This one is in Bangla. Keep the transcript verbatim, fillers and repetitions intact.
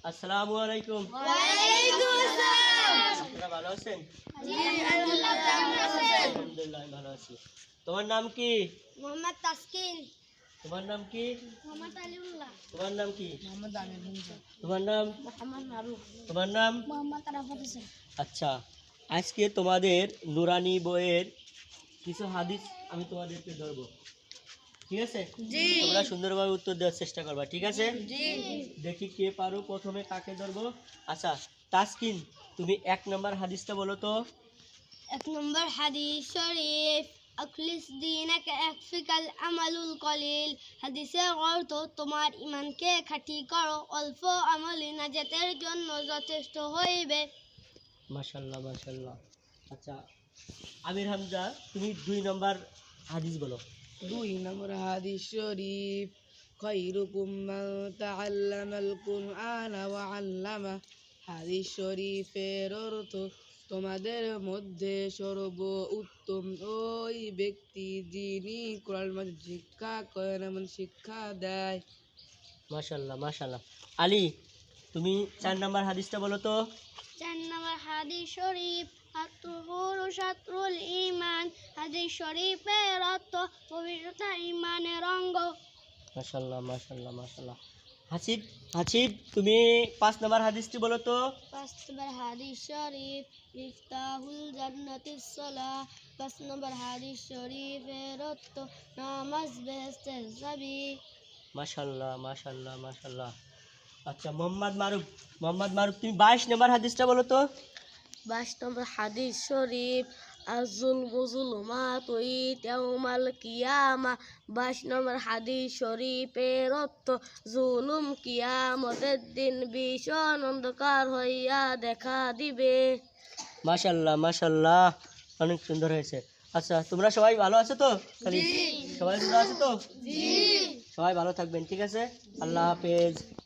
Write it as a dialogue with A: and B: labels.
A: আসসালামু আলাইকুম।
B: ওয়ালাইকুম আসসালাম।
A: আপনারা ভালো আছেন?
B: জি আলহামদুলিল্লাহ, কেমন আছেন?
A: আলহামদুলিল্লাহ আমি ভালো আছি। তোমার নাম কি?
B: মোহাম্মদ তাসকিন।
A: তোমার নাম কি?
B: মোহাম্মদ আলিউল্লাহ।
A: তোমার নাম কি?
B: মোহাম্মদ আমির হামজা।
A: তোমার নাম?
B: মোহাম্মদ মারুফ।
A: তোমার নাম?
B: মোহাম্মদ আরাফাত হোসেন।
A: আচ্ছা, আজকে তোমাদের নুরানি বইয়ের কিছু হাদিস আমি তোমাদেরকে ধরবো, ঠিক আছে?
B: জি।
A: তোমরা সুন্দরভাবে উত্তর দেওয়ার চেষ্টা করবা, ঠিক আছে?
B: জি।
A: দেখি কে পারো, প্রথমে কাকে ধরবো। আচ্ছা তাসকিন, তুমি এক নম্বর হাদিসটা বলো তো।
B: এক নম্বর হাদিস শরীফ, আখলিস দীনাকা ইয়াকফিকাল আমালুল কলিল। হাদিসের অর্থ, তোমার ঈমানকে খাঁটি করো, অল্প আমলই নাজাতের জন্য যথেষ্ট হইবে।
A: মাশাআল্লাহ মাশাআল্লাহ। আচ্ছা আমির হামজা, তুমি দুই নম্বর হাদিস বলো।
C: দুই নম্বর হাদিস শরীফ, খায়রুকুম মান তাআল্লামাল কুরআনা ওয়া আল্লামা। হাদিস শরীফের অর্থ, তোমাদের মধ্যে সর্ব উত্তম ওই ব্যক্তি যিনি কোরআন মাজিদ শিক্ষা করেন এবং শিক্ষা দেয়।
A: মাশাআল্লাহ মাশাআল্লাহ। আলী, তুমি চার নম্বর হাদিসটা বলো তো।
B: চার নম্বর হাদিস শরীফ, আত-তুহুরু শাতরুল ঈমান। হাদিস শরীফের অর্থ, পবিত্রতা ঈমানের অঙ্গ।
A: মাশাআল্লাহ মাশাআল্লাহ মাশাআল্লাহ। হাসিব, হাসিব তুমি পাঁচ নম্বর হাদিসটি বলো তো।
B: পাঁচ নম্বর হাদিস শরীফ, মিফতাহুল জান্নাতিস সালাহ। পাঁচ নম্বর হাদিস শরীফের অর্থ, নামাজ বেহেশতের চাবি।
A: মাশাআল্লাহ মাশাআল্লাহ মাশাআল্লাহ। আচ্ছা মোহাম্মদ মারুফ, মোহাম্মদ মারুফ তুমি বাইশ নম্বর হাদিসটা বলো তো।
D: বাইশ নম্বর হাদিস শরীফ, আজুল মুজুলমাত ইয়াউমাল কিয়ামা। বাইশ নম্বর হাদিস শরীফের অর্থ, জুলুম কিয়ামতের দিন ভীষণ অন্ধকার হইয়া দেখা দিবে।
A: মাশাআল্লাহ মাশাআল্লাহ, অনেক সুন্দর হয়েছে। আচ্ছা তোমরা সবাই ভালো আছো তো? খালি সবাই ভালো আছো তো? জি। সবাই ভালো থাকবেন, ঠিক আছে? আল্লাহ হাফেজ।